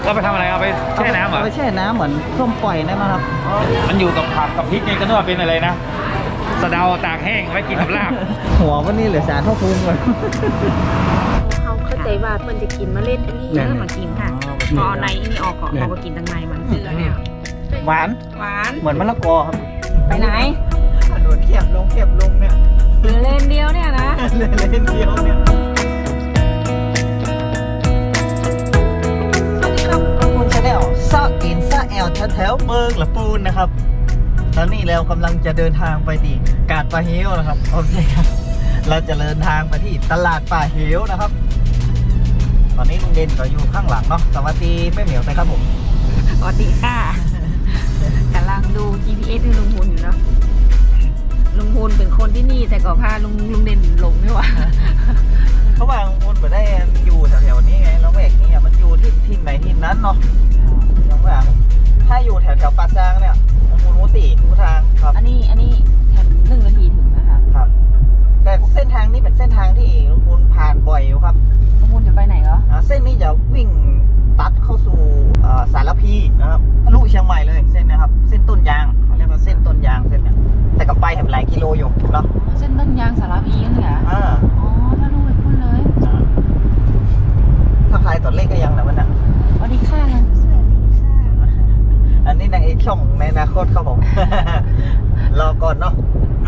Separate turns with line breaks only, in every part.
เราไปทำอะไรเอาไปแช่น้ำเหรอ
เอาไปแช่น้ำเหมือนส้มปล่อยได้ไหมครับ
มันอยู่กับผักกับพริกไงก็นึกว่าเป็นอะไรนะสะเดาตากแห้งไว้กินกับลาบ
หัววันนี้เหลือสารเท่าพุงเลย
เขาเข้าใจว่ามันจะกินเมล็ดอันนี้
เนี่ย
มากินค่ะพอในอันนี้ออกก่อนเขาก็กินทางในมันเกลือเนี่ย
หวาน
หวาน
เหมือนมะละกอครับ
ไปไหน
ถนนเขียบลงเนี่ย
เหลือเลนเดียวเนี่ยนะ
เลนเดียวเนี่ยสวัสดีครับคุณชาแนลซาอินซาแอลแถวเมืองละปูนนะครับตอนนี้เรากำลังจะเดินทางไปที่กาดป่าเฮวนะครับโอเคครับเราจะเดินทางไปที่ตลาดป่าเฮวนะครับตอนนี้ลุงเด่นก็อยู่ข้างหลังเนาะสวัสดีแม่เหมียวไปครับผม
สวัสดีค่ะกำลังดู GPS ให้ลุงพูนอยู่เนาะลุงพูนเป็นคนที่นี่แต่ก็พาลุงเด่นหลงไม่ว่า
เขาวางมูลไปได้อยู่แถวๆนี้ไงแล้วแหวกนี้มันอยู่ที่ไหนที่นั้นเนาะอย่างว่าถ้าอยู่แถวปาซางเนี่ยมูลมุติมูทางครับ
อันนี้แถม1 นาทีถึงนะคะ
ครับ แต่เส้นทางนี้เป็นเส้นทางที่ลุงพูนผ่านบ่อยอยู่ครับ
ลุงพูนจะไปไหนเหรอ
เส้นนี้จะวิ่งตัดเข้าสู่สารพีนะครับทะลุเชียงใหม่เลยเส้นนะครับ เส้นต้นยางเขาเรียกว่าเส้นต้นยางเส้นเนี้ยแต่ก็ไปแถมหลายกิโลอยู่เนาะ
เส้นต้นยางสารพีนั่นเหรอ
อ่า
อ๋อถ้าลุงไปพูดเลย
ถ้าใครตัวเลขก็ยังนะมันนะ
สวัสดีค่ะ
อันนี้นางเอกช่องในอนาคตครับผม รอก่อนเนาะ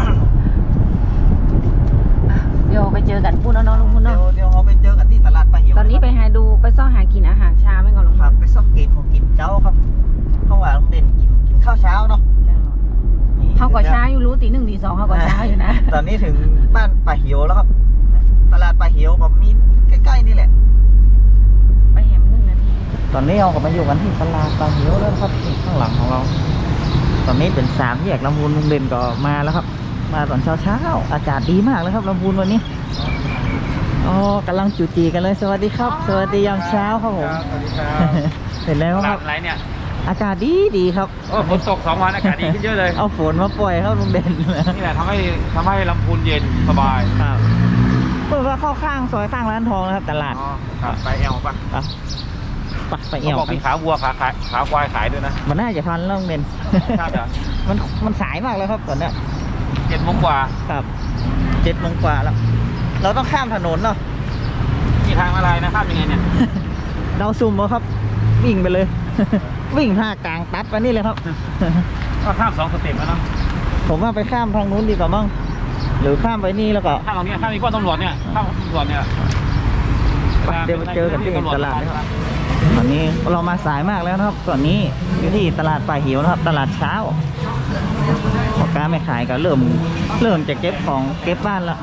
เดี๋ยวไปเจอกันพูดเนาะลุงพูน
เดี๋ย
เนาะ
วเราไปเจอกันที่ตลาดปลาหิว
ตอนนี้ไปซ่อหากินอาหารเช้าไม่ก่อนลุง
ค
พู
รับ
น
ไปซอกเกตของกินเจ้าครับเพราะว่าลุงเด่นกินข้าวเช้าเนาะนี่
เขาก็เช้าอยู่รู้ตี 1 ตี 2เขาก็เช้าอยู่นะ
ตอนนี้ถึงบ้านปลาหิวแล้วครับ ตลาดปลาหิวแบบมีใกล้ๆนี่แหละ
ไปแหม1 นาที
ตอนนี้เราก็มาอยู่กันที่ตลาดปลาหิวแล้วครับที่ข้างหลังของเรา ตอนนี้เป็น3 แยกลำพูนลุงเด่นก็มาแล้วครับ มาตอนเช้าอากาศดีมากเลยครับลำพูนวันนี้อ๋อกำลังจูจีกันเลยสวัสดีครับ สวัสดียามเช้าครับผม
สวัสดีครับ
เห็นแล้วครับ
อะไรเนี่ย
อากาศดีครับ
โอ้ฝนตก2 วันอากาศดีขึ้นเยอะเลย
เอาฝนมาปล่อยครับลุงเด่น
นี่แหละทำให้ลำพูนเย็นสบาย
ครับเปิดว่าเข้าข้างซอยข้างร้านทองนะครับตลาด
อ๋อครับไปแอลป่ะ
ครับไปเอ
เขา
ว
บอกมีขาวัวขาควายขายด้วยนะ
มันน่าจะทันแล้วลุงเด่น
ใช่เหรอ
มันสายมากแล้วครับตอนเนี้ย
7 โมงกว่า
ครับ7 โมงกว่าแล้ว เราต้องข้ามถนนเนาะ
มีทางอะไรนะข้ามยังไงเนี่ย
เราซุ่มครับ วิ่งไปเลย วิ่งท่ากลางตัดไปนี่เลยครับ
ก็ข้าม2 สเต็ปแล้วเนาะ
ผมว่าไปข้ามทางนู้นดีกว่ามั้งหรือข้ามไปนี่แล้วก็
ข้ามตรงนี้ข้ามมีป้อมตำรวจเนี่ยข้ามตำรวจเนี่ย
ไปเดี๋ยวไปเจอกันที่ตลาดนะครับตอนนี้เรามาสายมากแล้วนะครับตอนนี้อยู่ที่ตลาดป่าหิวนะครับ ตลาดเช้าพ่อค้าไม่ขายก็เริ่มจะเก็บของเก็บบ้านแล้ว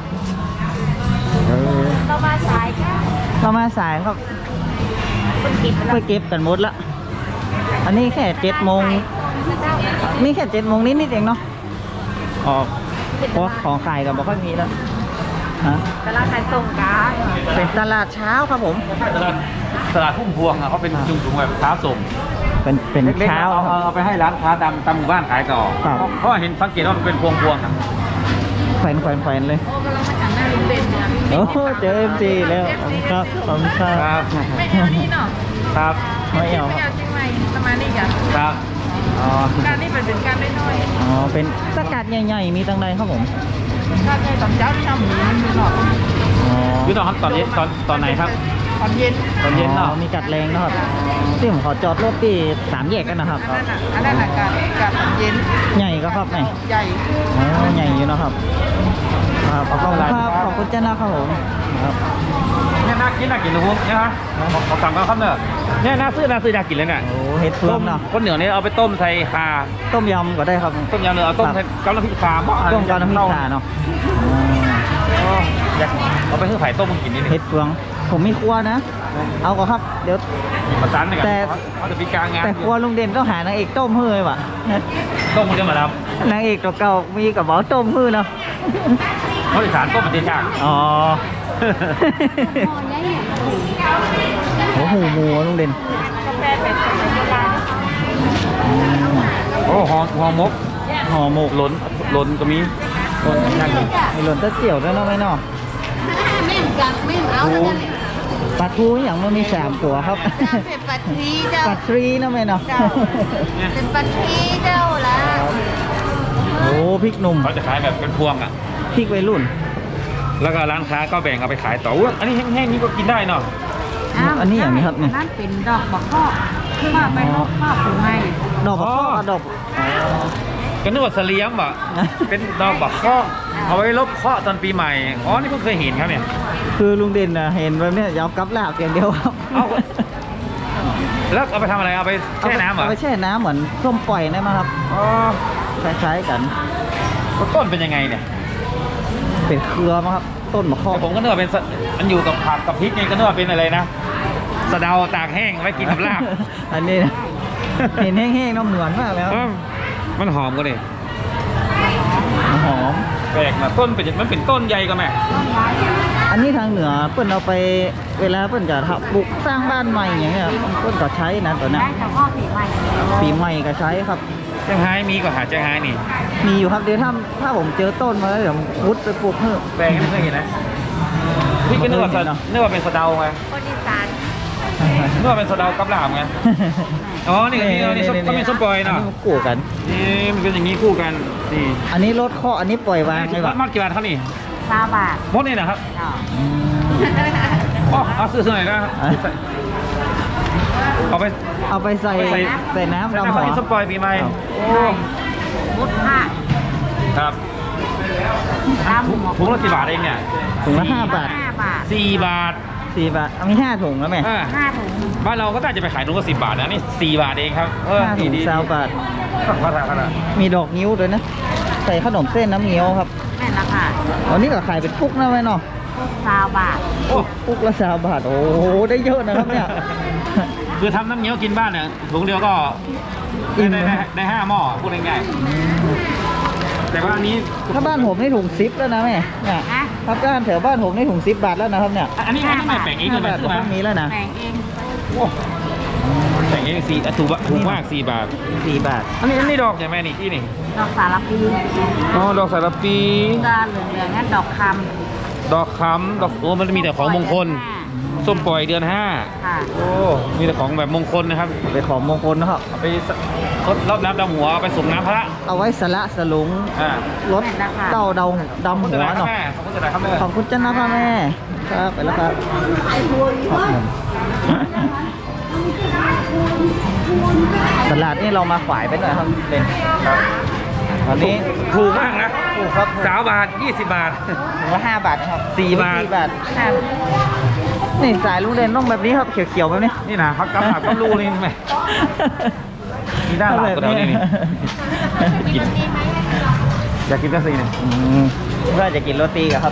เรามาสายค่ะ
เรามาสายครับ
คนกินไป
ไปเก็บกันหมดละอันนี้แค่7 โมงนี่แค่7 โมงนิดๆเองเนาะออกเพราะของขายก็บอกค่อยมีแล้วฮะ
ตลาดขายส่งกา
เป็นตลาดเช้าครับผม
ตลาดพุ่มพวงอ่ะเขาเป็นจุงๆแบบค้าส่ง
เป็น
เล็กๆ
เช้า
เอาไปให้ร้านค้าตามหมู่บ้านขายต่อ
ครับ
เพราะเห็นสังเกตว่ามันเป็นพวงๆอ่ะ
แขวนเลย
โอ้กำลังมาจากหน้าลุงเด่นเนี่ย
โอ้เจอ MC แล้วขอบคุณครับขอบคุณครับ
ไม่เอานี่เนาะ
ครับ
ไม่เอา
ไม่เอาจริงไหมประมาณนี้จ้ะ
ครับอ๋อ
การนี่เป็นการได้น้อย
อ๋อเป็นสกัดใหญ่ๆมีตั้งใดครับผม
การได้ตอนเช้าที่ทำหมูมันมีหนอก
อ๋อ
อยู่ตอนครับตอนเย็นตอนไหนครับ
ตอนเย็น
ตอนเย็นเนาะ
มีกัดแรงนะครับที่ผมขอจอดรถที่3 แยกกันนะครับ
อันนั้นการตอนเย็น
ใหญ่ก็ครับไหน
ใหญ่
อ๋อใหญ่อยู่นะครับครับขอบคุณครับขอบคุณเจ้าหน้าครับผมครับ
เนี่ยน่ากินนะพวกเนี่ยฮะเขาสั่งมาครับเนี่ยเนี่ยน่าซื้อน่ากินเลยเนี่ย
โอ้เห็ดเฟืองเนาะ
คนเหนือเนี่ยเอาไปต้มใส่คา
ต้มยำก็ได้ครับ
ต้มยำเนื้อเอาต้มใส่กับน้ำพริกคาบ้า
ต้มกับน้ำพริกข่าเนาะอ๋อ
อยากเอาไปซื้อไข่ต้มมากินนิดนึง
เห็ดเฟืองผมมีครัวนะ เอาก็ครับเดี๋ยว
ประสานกัน
แต่
เขาจะมีการงาน
แต่ครัวลุงเด่นต้องหานางเอกต้มเฮ้ยว่ะ
ต้มมันจะมาท
นางเอกเก่าๆมีกับหมอต้มเฮ้ยเนาะ
ำเขาอีสานต้มเป็นเจ๊ช่าง
อ๋อ โอ้โหหมูลุงเด่น
กาแฟเป็นสมัยโบราณ
โอ้หอมก
ห่อหมก
หล่นก็มีหล่นนั่นเลย
มีหล่นเต้าเจียวด้วยเนาะไหมเนาะ
ไม่เหมือนกันไม่เหมือนเอาแล้วกัน
ถ
ปลาทูอย่างมันมี3ตัวครับ
เป็นปัตทีเจ้า
ปลาทรีนะแม่เนาะ
เป็นปัตทีเจ้าละ
โอ้พริกหนุ่ม
เขาจะขายแบบเป็นพวงอ่ะ
พริกวัยรุ่น
แล้วก็ร้านค้าก็แบ่งเอาไปขายต่ออุ๊ยอันนี้แห้งๆนี่ก็กินได้เนาะ
อันนี้อย่างนี้ครับเนี่ย
นั่นเป็นดอกบักข้อคือว่าไปลบข้อปูไม้
ดอกบักข้อ
อ๋อ
ดอก
ก็นึกว่าเสลียมอ่ะ เป็นดอกบักข้อเอาไว้ลบเคราะห์ตอนปีใหม่ อ๋อ นี่เพิ่งเคยเห็นครับเนี่ย
คือลุงเด่นนะเห็นแบบเนี้ยยาวกับลาบอย่างเดียวครับ
เอา แล้วเอาไปทำอะไร เอาไปแช่น้ำเหรอ
เอาไปแช่น้ำเหมือนส้มปล่อยได้ไหมครับ
อ๋อ
คล้ายๆกัน
แล้วต้นเป็นยังไงเนี่ย
เป็นเครือมั้งครับ ต้นมะข้อ
แต่ผมก็นึกว่าเป็นมันอยู่กับผักกับพริกไงก็นึกว่าเป็นอะไรนะสะเดาตากแห้งไว้กินกับลาบ
อันนี้นะเห็นแห้งๆเน้ำเหมือนมากแล้ว
เออมันหอมก็เลย
หอม
แปลกนะต้นเป็นมันเป็นต้นใหญ่ก็แม่
อันนี้ทางเหนือเปิ้นเอาไปเวลาเปิ้นจะทำปลูกสร้างบ้านใหม่อย่างเงี้ยเปิ้นก็ใช้นะตัวเนี้ย
ได้แต่ข้อปีใหม่
ปีใหม่ก็ใช้ครับ
เจ้าไฮมีก็หาเจ้าไฮนี่
มีอยู่ครับเดี๋ยวถ้าผมเจอต้นมาแล้วเดี๋ยวพุดไปปลูกเพิ่ม
แปลกไม่เคยเห็นนะพี่ก็นึกว่านึกว่าเป็นสะเดาไง
คนอีสาน
นึกว่าเป็นสะเดากับลาบไง อ๋อ นี่ก็มีส้มปล่อยเนาะ
อันนี้มันกู้กัน
นี่มันเป็นอย่างนี้คู่กัน นี่
อันนี้รถข้ออันนี้ปล่อยวางใช่ปะ
มัดกี่บาทครับนี่
20 บาท
มดนี่นะครับ
เนาะ
อืม
อ๋อเอาซื้อหน่อยนะเอาไป
เอาไปใส่
ใส่
ใส่น้ำ
ใส่
ดำ
น้ำ
หั
ข้าว
ว
ที่ส้มปล่อยปีใหม่
ครับ
โอ้
มุดผ้า
ครับ
ตามหัว
ถุงละกี่บาทเองเนี่ย
ถุงละ5 บาท
5 บาท
4 บาท
4 บาทเอามี5 ถุงแล้วแม่
อ่า
5 ถุง
บ้านเราก็น่าจะไปขายถุงละ10 บาทนะนี่4 บาทเองครับ
5 ถุง20 บาท
พัฒนา
มีดอกนิ้วด้วยนะ ใส่ขนมเส้นน้ำเงี้ยวครับ
แม่นละค่ะ
วันนี้ก็ขายเป็นปุกนะแม่เนาะ
20 บาท
โอ้
ปุกละ20 บาท โอ้โห ได้เยอะนะครับเนี่ย
คือทำน้ำเงี้ยวกินบ้านเนี่ยถุงเดียวก็
อิ่ม
ได้5 หม้อพูดง่ายๆแต่ว่าอันนี้
ถ้าบ้านผมนี่ถุง10แล้วนะแม่เนี่ย
ฮะ
ถ้าบ้านแถวบ้านผมนี่ถุง10 บาทแล้วนะครับเนี่ย
อันนี้ไม่แบ่งเองเลย
5 บาท
ใช่ไหม
ก็มีแล้วนะ
แบ่งเอง
โอ้แบ่งเองถูกมาก4 บาท
4 บาท
อันนี้ดอกใช่ไหมนี่ที่นี่
ดอกสารพี
อ๋อดอกสารปี
ก็เหลืองๆงั้นดอกค
ดอกค้ำดอกโอ้มันมีแต่
ำ
ของมงคล ส้มปล่อยเดือน
ค่ะ
5โอ้มีแต่ของแบบมงคลนะครับ
เป็นของมงคลนะครับ
เอาไปรดรอบน้ำดำหัวเอาไปส่งน้ำพระ
เอาไว้สละสลุง
อ่าร
ถเต้าดำ
ขอบคุณ
หั
จะ
ว
ได้ครับ
เนาะ
แม่ขอบคุณจะได้ครับแม่
ขอบคุณจ้านะพ่อแม่ ครับไปแล้วครับตลาดนี่เรามาขวายไปหน่อยครับเป็น
ครับ
ตอนนี้
ถูกมากนะ
ถูกครับ
3 บาท 20 บาท
ถุงละ5 บาทนะครับ
4 บาท
4 บาทนี่สายลุงเด่นต้องแบบนี้ครับเขียวๆแบบนี้
นี่นะพักกำลับกำรูนี่ไหมมีด้านหลังก็เดี๋ยวนี้นี่กินอยากกินก็ซีนี่
เพื่อจะกินโรตีกันครับ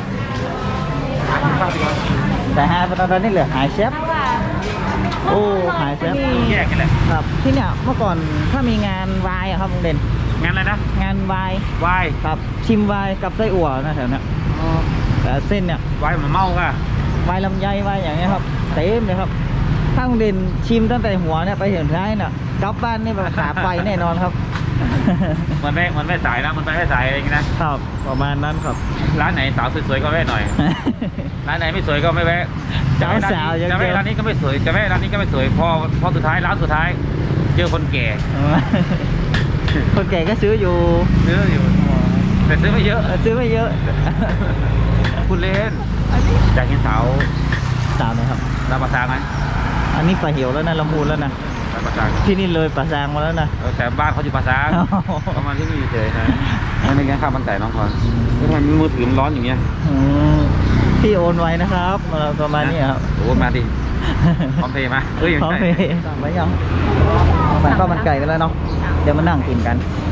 แต่ฮะตอนนี้เหลือหายเชฟโอ้หายเชฟ
แยกกันแหละ
ครับ ที่เนี่ยเมื่อก่อนถ้ามีงานวายอะครับลุงเด่น
งั้นอะไรนะ
งานวาย
วาย
ครับชิมวายกับไส้อั่วนะแถวเนี้ยแต่เส้นเนี่ยว
ายเหมือนเมาก่ะ
วายลำไยวายอย่างเงี้ยครับเต็มเลยครับถ้าลุงเด่นชิมตั้งแต่หัวเนี่ยไปถึงท้ายเนี่ยกลับบ้านนี่แบบขาไปแน่นอนครับ
มันไม่สายนะมันไปไม่สายเองนะครับ
ประมาณนั้นครับ
ร้านไหนสาวสวยๆก็แวะหน่อย ร้านไหนไม่สวยก็ไม่แวะ
สาวๆยัง
จะ
เจ
แวะ
อ
ร้านนี้ก็ไม่สวยจะแวะร้านนี้ก็ไม่สวยพอสุดท้ายร้านสุดท้าย เจอคนแก่
คนแก่ก็ซื้ออยู่
ซื้ออยู่แต่ซื้อไม่เยอะ
ซื้อไม่เยอะ
คุณเล่นอยากเห็นสาว
สาวนะครับ
ลำปางซางไหม
อันนี้ปลาเหี่ยวแล้วนะลำพูนแล้วนะ
ลำปางซาง
ที่นี่เลยปลาซางมาแล้วนะ
แต่บ้านเขาอยู่ปางซาง
อ๋อ
ประมาณที่นี่เฉยๆนะไม่ได้กินข้าวมันไก่น้องพรทำไมมือถือมันร้อนอย่างเงี้ย
อืมพี่โอนไว้นะครับประมาณนี้ครับ
โอ้มาดิพร้อมเพย์มาเอ้ย
พร้อม
ไม่
เพ
ใช่
ย์สั่งไว้ยังสั่งข้าวมันไก่กันแล้วเนาะเดี๋ยวมานั่งกินกัน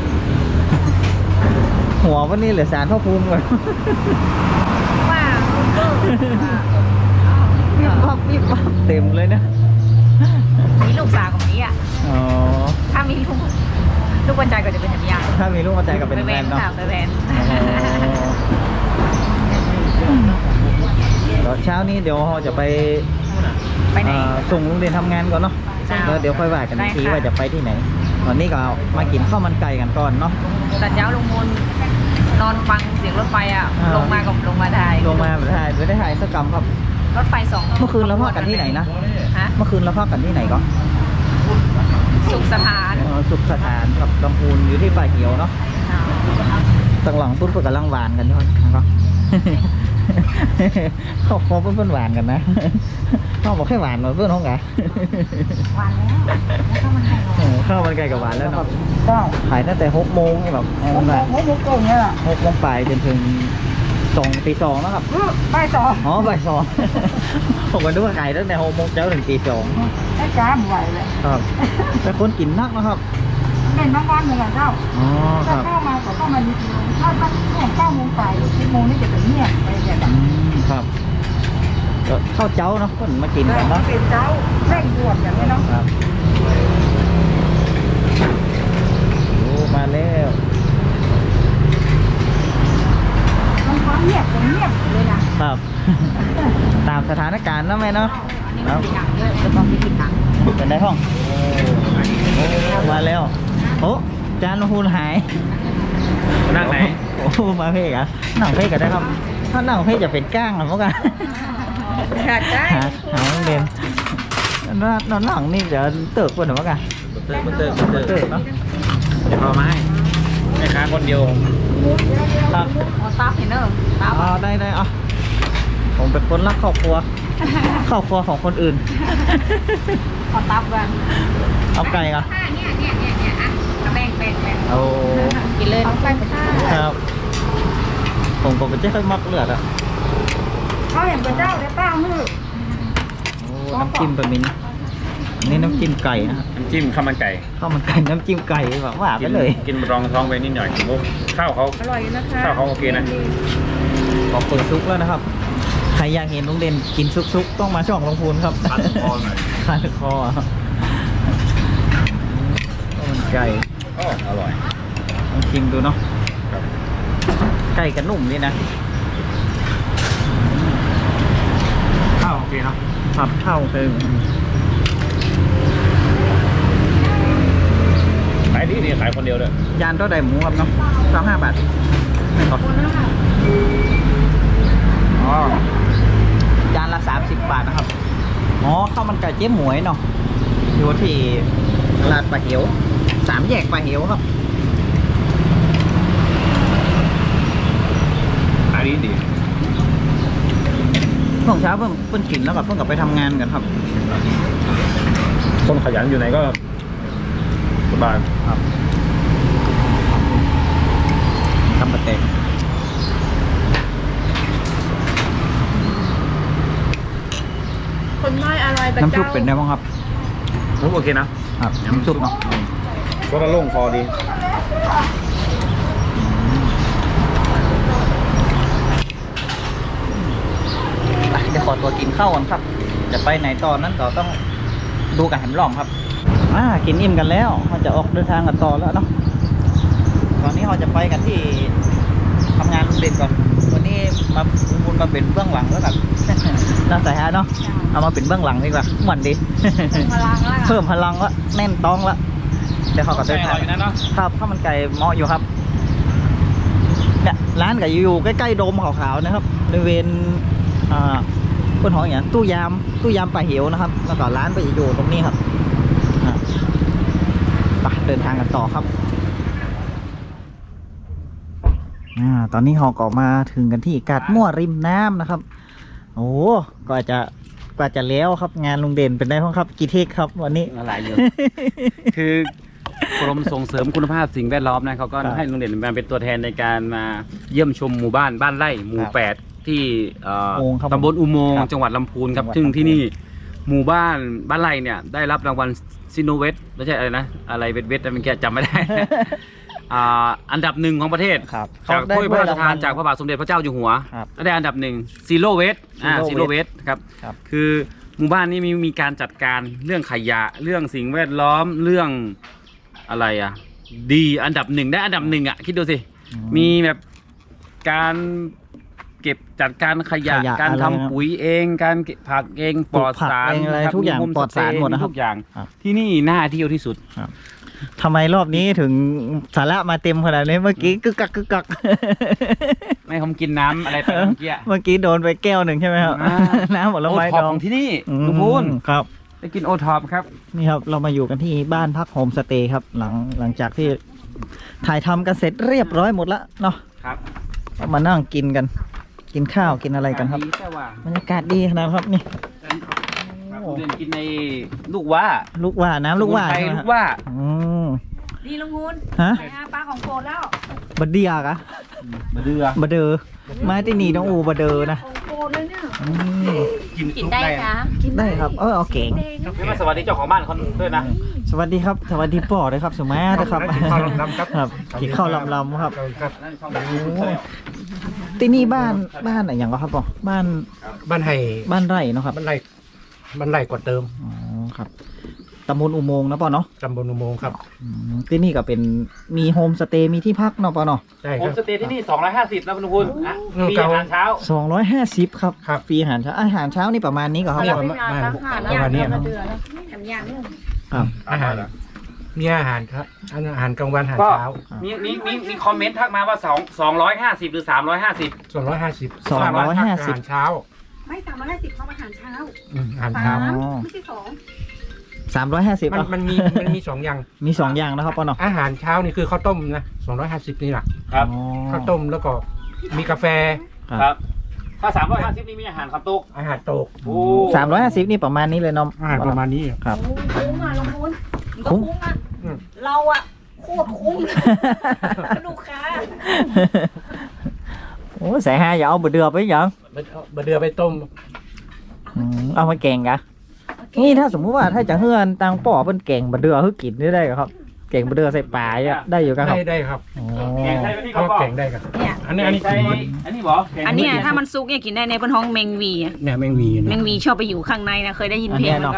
หัววันนี้เหลือสารพ่อภูมิก่อน
ว้าว
วิบวับเต็มเลยนะ
มีลูกสาวกับนี้อ่ะ
อ๋อ
ถ้ามีลูกวันใจก็จะเป็นแบบอย่าง
ถ้ามีลูกมาแต่งกับเป็น
ไป
แฟ
แวน
นเนาะ
ค่ะไปแวน
เดี๋ยวเช้านี้เดี๋ยวเราจะไป
ไปไหน
ส่งลุงเรียนทำงานก่อนเนาะ
จ้า
แล้วเดี๋ยวค่อยว่ากันอีกที
ได้ค่ะ
ว่าจะไปที่ไหนตอนนี้ก็มากินข้าวมันไก่กันก่อนเนาะ
ตอนเช้าลงมนนอนฟังเสียงรถไฟอ่ะ
อ่า
ลงมาได้
ลงมาไม่ได้ถ่ายสักกรรมครับ
รถไฟ2
เมื่อคืนเราพักกันที่ไหนนะ
ฮะ
เมื่อคืนเราพักกันที่ไหนก็
สุขสถาน
สุขสถานกับลำพูนอยู่ที่ป่าเขียวเนาะต่างหลังปุ๊บเปิดกับลังหวานกันด้วยนะครับ เขาคอเพื่อนหวานกันนะเขาบอกแค่หวานมาเพื่อนห้องไง
หวานแล้วแล้วก็มันไก่หวาน
ข้าวมันไก่กับหวานแล้วเนาะขายตั้งแต่6 โมงแบบ6 โมงตรงเนี่ย6 โมงปลายจนถึงตี 2นะครับ
บ่าย 2
อ๋อบ่าย 2ผมก็นึกว่าขายตั้งแต่6 โมงเช้าถึงตี 2
ได้จ้าไหวเลย
ครับแต่คนกินนักนะครับ
เป็นบางวันเหมือนกันเจ้า
อ๋อค
ถ้า
รับ
เข้ามาก็เข้ามานิดนึงถ้าช่วง9 โมงไป10 โมงนี่จะเป็นเงียบไปอย่างแบบ
ครับก็ข้าวเจ้าเนาะคนมากินกันเนาะ
เป็นเจ้าเร่งด่วนอย่างนี้เนาะ
ครับโอ้มาแล้ว
มันความเงียบเงียบเลยนะครับ
ตามสถานการณ์เนาะแม่เนาะ
อันนี้มันมีหนังเยอะจะต้องมีติดหนัง
เป็นได้ห้องโอ้มาแล้วโอ้จานหูนหาย
นั่งไหน
โอ้มาเพ่กะนั่งเพ่กะได้ครับ ถ้านั่งเพ่จะเป็นก้างหรือเปล่ากัน
ขาดได้
หาเรียนนอนหลังนี่เดี๋ยวเติร์กคนหรือเปล่ากัน
เติร์ก
เติร์กเนาะ
เดี๋ยวพอมาให้แม่ค้าคนเดียว
ครับ
เอาตับเห็นเนอะตับ
อ๋อได้อ๋อผมเป็นคนรักครอบครัว ครอบครัวของคนอื่น
ขอตับกัน
เอาไก่ก่อน
เนี่ยอ่ะแบ่ง
โอ้
กินเลยเอาไปค่ะ
ครับ ผมเป็นเจ้าค่อยมักเลือดอ่ะ
เขาเห็นเป็นเจ้าได้ป้ามือ
โอ้น้ำจิ้มแบบนี้อันนี้น้ำจิ้มไก่นะครับ
น้ำจิ้มข้าวมันไก่
ข้าวมันไก่น้ำจิ้มไก่แบบว่าไปเลย
กินรองท้องไปนิดหน่อยมุกข้าวเขา
อร่อยนะคะ
ข้าวเขาโอเคนะ
ขอเปิดซุกแล้วนะครับ ใครอยากเห็นลุงเด่นกินซุกๆต้องมาช่องลงพูนครับ
คันคอหน่อย
คันคอครับข้าวมันไก่
โอ้อร่อย
ลองชิมดูเนาะ
ครับ
ไก่กับนุ่มนี่นะ
ข้าวโอเคเนาะ
ครับเท่าคือ
ขายดีขายคนเดียวเลย
ยานเท่าใดหมูครับเนาะ25 บาทไม่ต่ออ๋อจานละ30 บาทนะครับอ๋อข้าวมันไก่เจ๊หมวยเนาะอยู่ที่ตลาดป่าเหียว3 แยกป่าเหียวครับ
ขายดี
ช่วงเช้าเพิ่งกินแล้วกับเพิ่งกลับไปทำงานกันครับ
คนขยันอยู่ไหนก็สบาย
ครับทำปะเตะ
คนน้อยอร่อย
น้ำซุปเป็นไงบ้างครับ
มุกโอเคนะครับ
น้ำซุปเนาะ
ก็ละโล่งคอดี
เดี๋ยวขอตัวกินข้าวก่อนครับ จะไปไหนตอนนั้นต่อต้องดูกันแหมหล่อมครับกินอิ่มกันแล้วเราจะออกเดินทางกันต่อแล้วเนาะตอนนี้เราจะไปกันที่ทำงานโรงเรียนก่อนวันนี้มาคุณมาเป็นเบื้องหลังแล้วกัน น่าใส่ฮะเนาะเอามาเป็นเบื้องหลังดีกว่าเหมือนดี
พลังละ
เพิ่มพลังละแน่นต้องละเดี๋ยวเขาก็เดินทาง
อยู่นะเนาะ
ครับข้าวมันไก่เหมาะอยู่ครับเนี่ยร้านก็อยู่ใกล้ๆโดมขาวๆนะครับบริเวณบนหออย่างตู้ยามป่าเหียวนะครับ แล้วก็ร้านไปอยู่ตรงนี้ครับไปเดินทางกันต่อครับตอนนี้เราก็มาถึงกันที่กาดมั่วริมน้ำนะครับ โอ้กว่าจะแล้วครับงานลุงเด่นเป็นได้บ้างครับกี่เทคครับวันนี้
อะไรเยอะ คือกรมส่งเสริมคุณภาพสิ่งแวดล้อมนะเขาก็
ครับ
ให้โรงเรียนมาเป็นตัวแทนในการมาเยี่ยมชมหมู่บ้านบ้านไร่หมู่
ครับ
8 ที่
อุโมงค์ครับ
ตำบลอุโมงค์
ครับ
จังหวัดลำพูนครับ
จังหวัด
ซึ่ง
ลำพูน
ที่นี่หมู่บ้านบ้านไร่เนี่ยได้รับรางวัลซิโนเวตไม่ใช่อะไรนะอะไรเวทเวทเมื่อกี้จำไม่ได้ อันดับ1ของประเทศ
ครับ
จาก
เขได้
ถ้วยพระราชทาน
ถ้วย
จากพระบาทสมเด็จพระเจ้าอยู่หัว
ครับ
และได้อันดับ1ซีโร่เวท
Zero
ซีโร่เวทครับ
ครับ
คือหมู่บ้านนี้มีการจัดการเรื่องขยะเรื่องสิ่งแวดล้อมเรื่องอะไรดีอันดับ1ได้อันดับ1คิดดูสิ มีแบบการเก็บจัดการขยะ
ขยะ
การ
อะไร
ทำ
นะ
ปุ๋ยเองการเก็บผักเองปลอดสาร
ปลูกผักเองอะไร
ครับ
ทุกอย่าง
มีโฮม
ปลอดสาร
สเตย์
หมดนะครับ
ทุกอย่าง
ครับ
ที่นี่น่าเที่ยวที่สุด
ครับทำไมรอบนี้ถึงสาระมาเต็มขนาดนี้เมื่อกี้กึกกักกึกกัก
ไม่ผมกินน้ำอะไรไปเมื่อกี้
เมื่อกี้โดนไปแก้วหนึ่งใช่ไหมครับ
อ่า
น้ำผล
โอ
ไม้
ท็อ
ด
ป
อง
ของที่นี่
อืม
ลุงพูน
ครับ
ไปกินโอท็อปครับ
นี่ครับเรามาอยู่กันที่บ้านพักโฮมสเตย์ครับหลังจากที่ถ่ายทำกันเสร็จเรียบร้อยหมดแล้วเนาะ
ครับ
ก็มานั่งกินกัน กินข้าวกินอะไรกันครับ
ดีแต่ว่า
บรรยากาศดีขนาดครับนี่
ครับผมเดินกินในลูกว่า
ลูกว่าน้ำลูกว่า
สมุนไพร
ใช่ไหม
ลู
ครับ
กว่า
อืม
นี่ลุงพูน
ฮะ
ไปหาปลาของโปรดแล้ว
บะเดียกะ
มาเดือบ
ะเดอมาที่นี่ต้องอูบะเดอนะ
ของโปรดเลยเนี่ย
อืม
กินได้คะ
ได้ครับเอาเก่ง
พี่มาสวัสดีเจ้าของบ้านคนด้วยนะ
สวัสดีครับสวัสดีป่อด้วยครับสมัยนะครับ
ข้าวลำครับ
ครับขี่ข้าวลำๆครับ
ครับ
โอ้ที่นี่บ้านอะไรอย่างก็ครับป่อบ้าน
บ้านไห่
บ้านไร่เนาะครับ
บ้านไร่กว่าเติม
อ๋อครับตำบลอุโมงค์นะป่อเนาะ
ตำบลอุโมงค์ครับ
อืมที่นี่ก็เป็นมีโฮมสเตย์มีที่พักเนาะป่อเนาะ
ใช่
โฮ
ครั
ม
บ
สเตย์ที่นี่250นะคุณพูนอ่ะ
เออ
มี
เก่า
อาหารเช้า
250ครับ
ครับ
ฟรีอาหารเช้านี่ประมาณนี้ก็ครับ
เนี่ย
ป่อ
ประมาณนี้ครับ
แถมยางด้วย
ครับ
อาหารมีอาหารครับอาหารกลางวันอาหาร
ก็
เช้า
มีคอมเมนต์ทักมาว่า250หรือ350
250
250
อาหารเช้า
ไม่350เขาอาหารเช้า
อาหารเช้า
อ๋อ
ไม่ใช่2
350
มันมี2อย่าง
มี2อย่างนะครับป่อเนาะ
อาหารเช้านี่คือข้าวต้มนะ250นี่แหละ
ครับ
อ๋อ
ข้าวต้มแล้วก็มีกาแฟ
ครับ ถ้า350นี่มีอาหารคำตุก
อาหารโตก
โอ้
350นี่ประมาณนี้เลยเนาะ
อาหารประมาณนี้
ครับ
คุ้มอ่ะลุงพูน
คุ้ม
อ่ะ
อืม
เราอ่ะโคตรคุ้มลูกค้า
โอ้ใส่ห้าอย่าเอาบะเดือไปยัง
บะเดือไปต้ม
เอามาแกงกะนี่ถ้าสมมุติว่าถ้าจะเฮือนตังป่อเป็นแกงบะเดือคือกินได้ครับแกงบะเดือใส่ปลาอ่ะได้อยู่กันครับ
ได้ครับ
อ๋อ
แกงไทยไหมพี่
ก็
ก็
แกงได้ครับ
เนี่ย
อันนี้
ใช่
กิน
อันนี้บอก
อันเนี้ยถ้ามันซุกเนี่ยกินได้ในบนห้องแมงวีอะ
เนี่ยแมงวี
แมงวีชอบไปอยู่ข้างในนะเคยได้ยินเพลงมันก็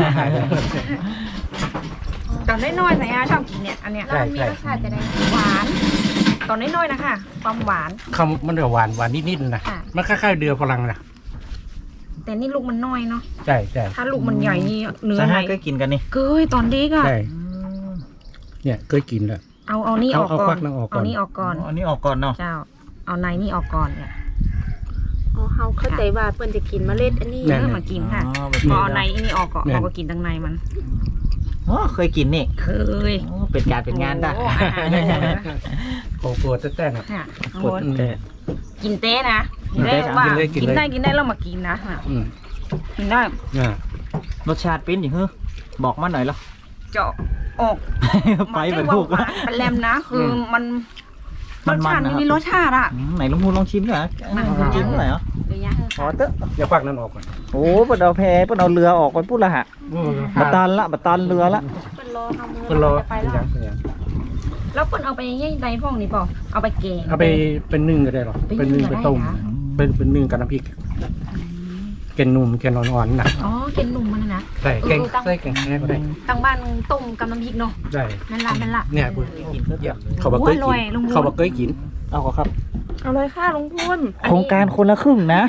ตอนน้อยๆสายอาชอบกินเนี่ยอันเนี้ย
ใช่ใช่
หวาน ตอนน้อยๆนะคะความหวาน
คำมันจะหวานนิดๆนะ
ค่ะ
มันคล้ายๆเดือพลังนะ
แต่นี่ลูกมันน้อยเนาะ
ใช่ใช่
ถ้าลูกมันใหญ่นี่เนื้อ
ใส่
ไหน
ห้าก็กินกันนี่
เกยตอนเด็กอะ
ใช่เนี่ยเคยกินแล้ว
เอานี่ออก
เอา
ก่อ
ควั
น
กนั่งออกก่อน
เอานี่ออกก่อน
อันนี้ออกก่อนเนาะ
เจ้า เอาในนี่ออกก่อนเนี่ย
อ๋อเขาเข้าใจว่าเปิ้นจะกินเมล็ดอันนี้
เนื้อมากินค่ะ
อ๋อ
พอเอาในนี่ออกก่อนเราก็กินตั้งในมัน
อ๋อเคยกินนี่
เคย
โอ้เป็นการเป็นงานได้
โอ้อาหารเยอะเลย
โอ้ปวดแต้ๆนะ
ค่ะข้าง
ปว
บ
ด
น
แต่
กินเต้นะ
กินเต้
ว่า
กินเลย
กินได้แล้วมากินนะน่ะ
อืม
กินได้
อ่าร
สชาติเป็นอย่างเฮ้อบอกมาหน่อยเหรอ
เจาะออก
ไปเหมือน
ห
ถูก
วานเป็นแรมนะ คือมันร
มัน
ส
ๆ
ชาติ
นะครับ
มีรสชาติอะ
ไหนลุงพูนลองชิมหน่อยชิมหน่อยเหรอ
เดี๋ยวย่าเถอะ
อ๋อ
ค่ะ
เตอะ
อย่าควักนั่นออกก่อน
โอ้เปิดเอาแพเปิดเอาเรือออกไปพูดละฮะบัตตันละบัตตันเรือละ
เปิ้นรอทำมือ
เป็นรอ
ไป
เป็น
แล้
ยั
ว
งเป็นยัง
แล้วเปิ้นเอาไปย่างใดพ่องนี่เปล่าเอาไปแกง
เอาไปเป็นนึ่งก็ได้หรอ
ไป
เป็นนึ่ง
นึ่งก็
ไป
ได้
ต้ม
นะ
เป็นนึ่งกับน้ำพริกแกงนุ่มแกงอ่อนๆนะ
อ๋อเกนนุ่มมันนะ
ใส่แกงใส่แกงแห้งก็ได้
ตั้งบ้านต้มกับน้ำพริกเนาะ
ได้
นั่นละ
เนี่ยบุญเขาบอกเคย
โอ้อร่อย
กิน
ลุงบุญ
เขาบอกเคยกิน
เอาก็ครับ
เอาเลยค่ะลุงพูน
โครงการคนละครึ่งนะ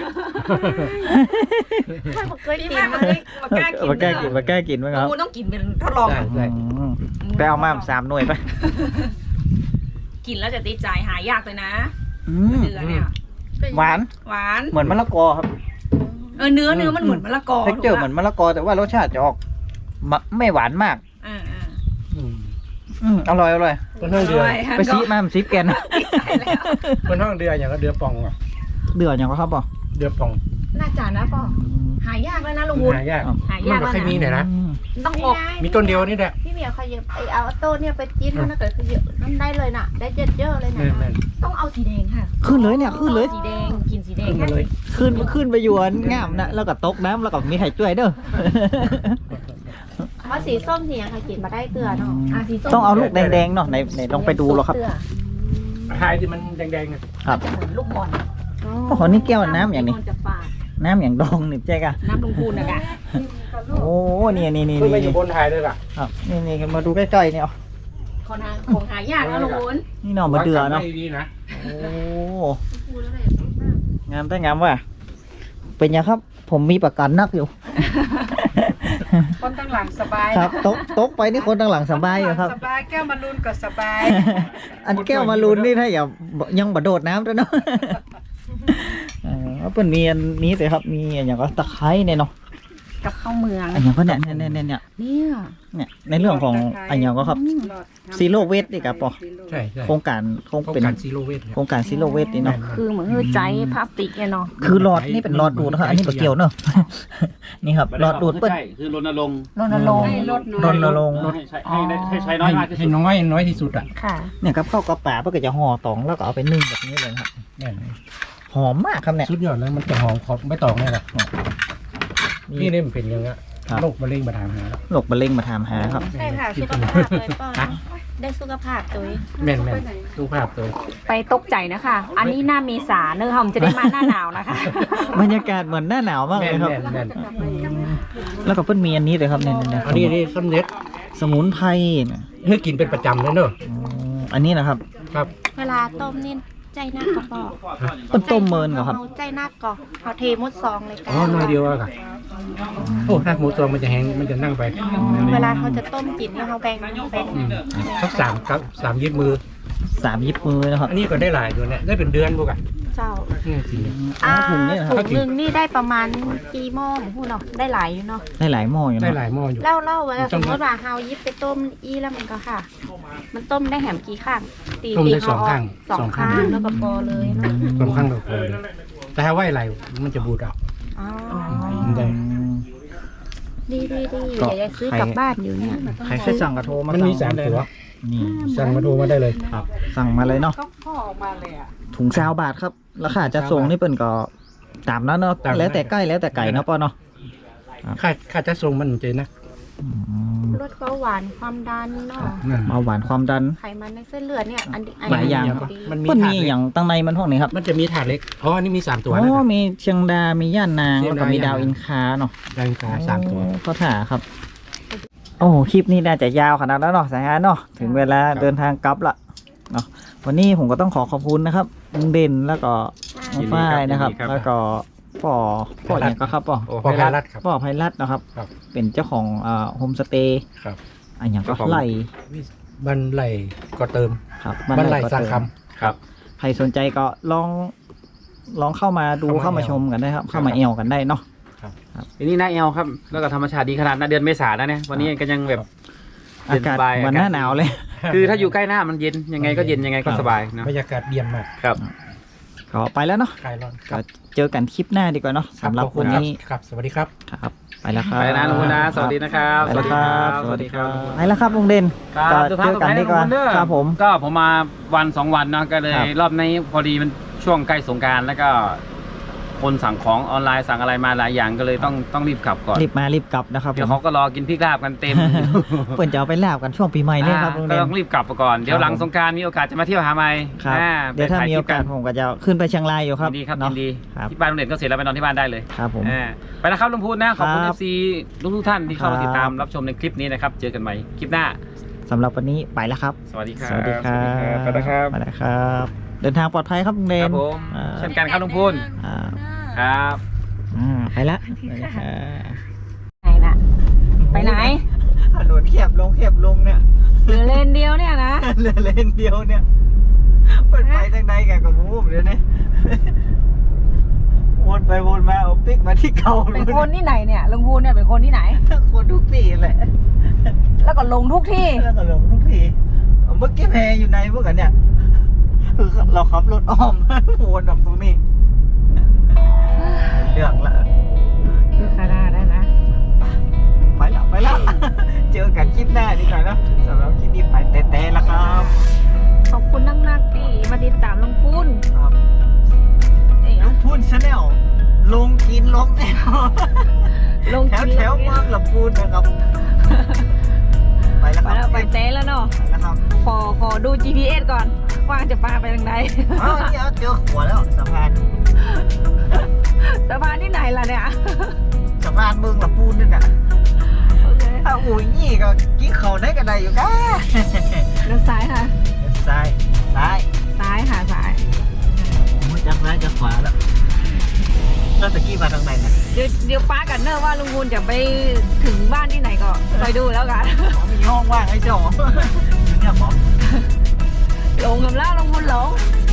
ไม่บอกเคย
พี่
กิน
แม่
มา
มาแก้กิน
มาแก้กินมาแก้กินไหมครับ
กูต้องกินเป็นทดลอง
ได้ได้
อืมไปเอามา3 หน่วยไป
กินแล้วจะติดใจหายากเลยนะ
อืม
เนื้อเนี่ย
หวาน
หวาน
เหมือนมะละกอครับ
เนื้อมันเหมือนมะละกอ
เท็กเจอร์เหมือนมะละกอแต่ว่ารสชาติจะออกไม่หวานมาก
อ่า
อร่อยอร่อย
เป็นห้องเดือ
ไปซีมามันซีแกน
เป็นห้องเดืออย่างก็เดือป่องอ่ะ
เดือดอย่างก็ครับป่ะ
เดือป่อง
น่าจะนะป่อหายากแล้วนะลุงวุฒิ
หายาก
หายา
มัน
ก
ก็
แล้ว
แค่มีเนี่ยนะ
ต้องออก
มีต้นเดียวนี่แหละ
พี่เหมียวขยับไอเอาโต้เนี่ยไปจิ้นมันนะเกิดคือเยอะนั่นได้เลยน่ะ ได้เยอะๆเลยนะ
แม่น
ต้องเอาสีแดงค่ะ
ขึ้นเลยเนี่ยขึ้นเลย
สีแดงกินสีแดง
ขึ้นมาเลย
ขึ้นไปอยู่อันงามนะแล้วก็ตกน้ำแล้วก็มีไข่จ้วยเด้อ
เพราะสีส้มสียังใครกินมาได้เกลือเนาะ
สีส้ม
ต้องเอาลูกแดงๆเนาะไหนลองไปดูหรอครับ
เกลือ
หายที่มันแดงๆอ่ะ
ครับ
จะเหมือนลูกบอล
โอ้โหนี่แก้วน้ำอย่างนี้
จะฝาด
น้ำอย่างดองนี่เจ๊กะ
น้ำลุงพูนนะคะ
โอ้นี่
ขึ้นไปอยู่บนไทยเลยล่ะ
ครับนี่มาดูใกล้ๆเนี่ยเอา
ของหายากนะลุงพูน
นี่เนาะมาเดือเนาะ
ดีๆนะ
โอ้งามแต่งามว่ะเป็นยังครับ ผมมีประกันนักอยู่
คนตั้งหลังสบาย
ครับตกไปนี่คนตั้งหลังสบายอยู่ครับ
สบายแก้วมารุนก็สบาย
อันแก้วมารุนนี่ถ้าอย่ายังบ่โดดน้ำด้วยเนาะว่าเปิ่นมีอันนี้สิครับมีอันอย่างก็ตะไคร้เนี่ยเนาะ
กับข้าวเมือง
อันอย่างก็เนี่ยในเรื่องของอันอย่างก็ครับซีโร่เวสนี่กับปอ
ใช่ใช่
โครงการ
โครง
เป็น
การซีโร่เวท
โครงการซีโร่เวสนี่เนาะ
คือเหมือนคือใจพลาสติกเนี่ยเนาะ
คือหลอดนี่เป็นหลอดดูดนะครับอันนี้บ่เกี่ยวเนาะ นี่ครับหลอดดูดเปิ้น
ใช่คือรณรงค์
รณรงค์
รณรงค์
ให้ใช้น้อยมากที่สุ
ให้
ด
น้อยที่สุดอ่ะ
ค่ะ
เนี่ยครับเข้าวกับป่าเพื่อก็จะห่อตองแล้วก็เอาไปนึ่งแบบนี้เลยครับ
แน่น
หอมมากครับเนี่ย
สุดยอดแล้วมันจะหอมขอบไม่ตองเลยหรอกนี่นี่มันเป็นยังไง
ครับ
โรคมะเร็งมาถามหาแล้ว
โรคมะเร็งมาถามหาครับ
ได้ค่ะสุขภาพเลยป้อนได้สุขภาพตัวเอง
แม่นดูภาพตัว
ไปตกใจนะคะ อันนี้หน้าเมษาเนื้อหอมจะได้มาหน้าหนาวนะคะ
บรรยากาศเหมือนหน้าหนาวมากเลยครับ
แม่น
แล้วก็เพิ่นมีอันนี้เลยครับเนี่ย
อันนี้นี่สำเร็จ
สมุนไพรเนี่ย
เฮ้ยกินเป็นประจำเลยเนอะ
อันนี้นะครับ
ครับ
เวลาต้มนี่ใจนักก็บอก
เพิ่นต้มเมินเหรอครับ
เอาใจนักก็เอาเทมดซองเลยกั
อ๋อน้อยเดียวอะค่ะโอ้ถ้าหมูตัวมันจะแห้งมันจะนั่งไป
เวลาเขาจะต้มกินเนี่ยเขาแบ่งเป็น
สัก3ยิบมือ
3 ยิบมือนะครับ
อันนี้ก็ได้หลายตัวเนี่ยได้เป็นเดือนพวกอ่ะ
เจ้า
นี่จริง
อ๋อถุงเนี่ยนะครับ
ถุงหนึงนี่ได้ประมาณกี่หม้อพูดเนาะได้หลายอยู่เนาะ
ได้หลายหม้ออยู่
ได้
นะ
หลายหม้ออยู่
เล่าเวลาสมมติว่าเฮายิบไปต้มอีแล้วมันก็ค่ะ มันต้มได้แหมกี่ข้างตี
ต้มได้
เฮ
สองข้าง
สองข้างแล้วก็พอเลยเนาะ
สองข้างเราพอเลยแต่ถ้าไหวไหลมันจะบูดอ่ะ
อ๋อ
ได้
ดีเดี๋ยวจะซื้อกลับบ้านอยู่เนี่ย
ใครเคยสั่งกระโทรมา
มันมี
สั่ง
3 ตัว
นี่
สั่งมาโทรมาได้เลย
ครับสั่งมาเลยเนาะ
ก็พ่อออกมาเลยอ่ะ
ถุง20 บาทครับราคาจะส่งนี่เปิ้นก็ตามนั้นเนาะ
ตามนั้น
แล้วแต่ใกล้แล้วแต่ไก่เนาะป้อเนาะ
ค่าจะส่งมันเจนะ
อืม
ลดเบาหวานความดันเนาะ
นั่น
เบาหวานความดัน
ไขมันในเส้นเลือดเนี่ยอัน
หลายอย่าง
ดี
มันมี
เปิ้น
ถา
มี
ดเล็
อก ย่างตั้งในมันพวกนี้ครับ
มันจะมีถาดเล็กอ๋ออันนี้มี3ตัว
อ๋
นะ
อมีเชียงดา มีย่านนาง
เชียง
แล้ว
ดา
ก็มีดาว
ย่านนาง
อินคาเนาะ
แรงกา3 ตัว
เขาถ่าครับ โอ้โหคลิปนี้น่าจะยาวขนาดนั้นเนาะสายงานเนาะ ถึงเวลาเดินทางกลับละเนาะ วันนี้ผมก็ต้องขอบคุณนะครับลุงเด่นแล้วก็น้องฝ้ายนะครับ แล้วก็พ่ออย่างก็ครับพ่อ
พอพารัดครับ
พ่อไพรัตน์นะครับ
ครับ
เป็นเจ้าของโฮมสเตย์
ครับ
อันอย่างก็
เจ้าของ
ไล่
บันไหลก็เติม
ครับ
บันไหล
ก็
สร้าง
เติม
คำ
ครับ
ใครสนใจก็ลองเข้ามาดูเข้ามาชมกันได้ครับ เข้ามาเอวกันได้เนาะ
อันนี้หน้าแอลครับ แล้วก็ธรรมชาติดีขนาดหน้าเดือนเมษาแล้วเนี่ยวันนี้ก็ยังแบบ
อากาศ
เย็นสบาย
เหมือนหน้าหนาวเลย
คือถ้าอยู่ใกล้หน้ามันเย็นยังไงก็เย็นยังไงก็สบายนะ
บรรยากาศเยี่ยมมาก
ครับ
ก็ไปแล้วเนาะ
คลายร้อน
ก็เจอกันคลิปหน้าดีกว่าเนาะสำหรับ
ขอ
วัน
ณ
นี้
ครับ สวัสดีครับ
ครับ ไปแล้วครับ
ไปนะลุงพลนะสวัสดีนะครับ
ไปแล้วครับ
สวัสดีครับ
ไปแล้วครับลุงเด่น
ครับ
ก็
เดิน
เจ
ทาง
อกันดีกว่า
ต่อไปนะลุงพลเด้อ
ครับผม
ก็ผมมาวัน2 วันเนาะก็เลย
ครับ
รอบนี้พอดีมันช่วงใกล้สงกรารแล้วก็คนสั่งของออนไลน์สั่งอะไรมาหลายอย่างก็เลยต้องรีบกลับก่อน
รีบมารีบกลับนะครับ
เดี๋ยวเขาก็รอกินพริกลาบกันเต็ม
เปิ่นจะเอาไปลาบกันช่วงปีใหม่เนี่ยครับลุง
ก็
เด่น
ต้องรีบกลับไปก่อนเดี๋ยวหลัง
ครับผม
สงกรารมีโอกาสจะมาเที่ยวหาใหม่
ครับ เดี๋ยวถ้ามีโอกาสผมก็จะขึ้นไปเชียงรายอยู่ครับ
ยินดีครับ
เนาะ
ยินดี
ครับ
ที่บ้านลุงเด่นก็เสร็จแล้วไปนอนที่บ้านได้เลย
ครับผม
ไปนะครับลุงพูนนะขอบคุณ
ครับ
FC ทุกท่านที่เข้ามา
ครับ
ติดตามรับชมในคลิปนี้นะครับเจอกันใหม่คลิปหน้า
สำหรับวันนี้ไปแล้วครับ
สวัสดีครับ
สวัสดีครับ
ไปแล้วครับ
ไปแล้วครับ เดินทางปลอดภัยครับลุงเด่
คน รับผม
อ่า
เช่นกันครับลุงพูน
อ่า
ครับ
ไปละไปละครับ
ไหนน่ะ ไปไหน
ถนนแคบลงเนี่ย
เหลือเลนเดียวเนี่ยนะ
เหลือเลนเดียวเนี่ยเปิดไฟทางใดแกกับมูฟเดี๋ยวนี้ วนไปวนมาเอาปิ๊กมาที่เก่า
เป็นคนที่ไหนเนี่ยลุงพูนเนี่ยเป็นคนที่ไหน
คนทุกที่แหละ
แล้วก็ลงทุกที่
แล้วก็หลงทุกทีเมื่อกี้แพอยู่ในพวกกันเนี่ยคือเราขับรถอ้อม วนออกตรงนี้เรื่องละ
คือขนาดนั้นนะ
ไปละ เจอกันคลิปหน้าดีกว่านะสำหรับคลิปนี้ไปแต่ละครับ
ขอบคุณนักๆที่มาติดตามลุงพูน
ครับ
เอ๋
ลุงพูนชาแนลลงกินลงแนว
ลง
แถว
กิน
แถวเมืองลำพูนนะครับ ไปแล้ว
ไป
ครั
แล้ว
บ
ไปเต้แล้วเนาะ
ไปแล้วครับ
ขอดู GPS ก่อนว่าจะพาไปทางไหน
อ้าวเนี่ยเจอหัวแล้วสะพาน
สะพานที่ไหนล่ะเนี่ย
สะพานเมืองลำพูนนี่น่ะถ้าอู่ยี่ก็กินเขาได้กันได้อยู่ก้า
เลี้ยวซ้ายค่ะ
ซ้ายซ้าย
ซ้ายค่ะซ้าย
ผมจะซ้ายจะขวาแล้วแล้วตะกี้มาทางไหนนะ
เดี๋ยวป้ากันเนอะว่าลุงพูนจะไปถึงบ้านที่ไหนก็คอยดูแล้วกัน
อ๋อมีห้องว่างให้เจ้า เนี่ยหมอ
หลงกับแล้วลุงพูนหลง